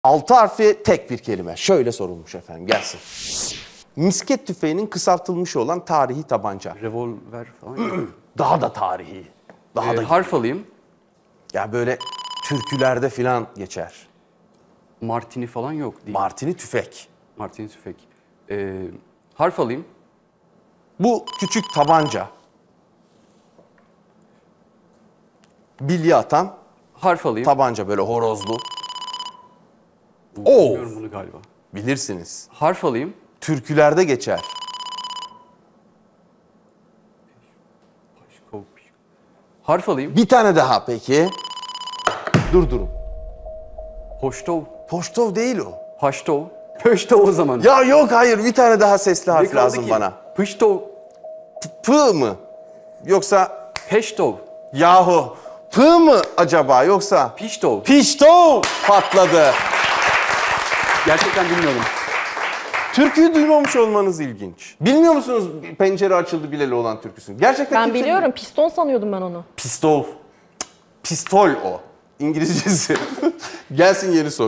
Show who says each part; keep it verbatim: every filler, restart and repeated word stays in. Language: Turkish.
Speaker 1: Altı harfli tek bir kelime. Şöyle sorulmuş efendim, gelsin. Misket tüfeğinin kısaltılmış olan tarihi tabanca.
Speaker 2: Revolver falan.
Speaker 1: Daha da tarihi. Daha
Speaker 2: Ee,
Speaker 1: da
Speaker 2: harf alayım.
Speaker 1: ya böyle türkülerde filan geçer.
Speaker 2: Martini falan yok değil.
Speaker 1: Martini tüfek.
Speaker 2: Martini tüfek. Ee, harf alayım.
Speaker 1: Bu küçük tabanca. Bilye atan
Speaker 2: Harf alayım.
Speaker 1: tabanca, böyle horozlu. Oo.
Speaker 2: Bilmiyorum bunu galiba.
Speaker 1: Bilirsiniz.
Speaker 2: Harf alayım.
Speaker 1: Türkülerde geçer.
Speaker 2: Harf alayım.
Speaker 1: Bir tane daha peki. Dur durun.
Speaker 2: Hoştov.
Speaker 1: Poştov değil o.
Speaker 2: Haştov. Pöştov o zaman.
Speaker 1: Ya yok, hayır, bir tane daha sesli
Speaker 2: Ne
Speaker 1: harf
Speaker 2: kaldı
Speaker 1: lazım
Speaker 2: ki?
Speaker 1: bana.
Speaker 2: Pıştov.
Speaker 1: P mı? Yoksa
Speaker 2: Peştov.
Speaker 1: yahu P mı acaba, yoksa
Speaker 2: Piştov.
Speaker 1: Piştov patladı.
Speaker 2: Gerçekten bilmiyorum.
Speaker 1: Türküyü duymamış olmanız ilginç. Bilmiyor musunuz pencere açıldı bileli olan türküsünü? Gerçekten
Speaker 3: Ben
Speaker 1: kimse
Speaker 3: biliyorum. Piston sanıyordum ben onu.
Speaker 1: Pistol. Pistol o. İngilizcesi. Gelsin yeni soru.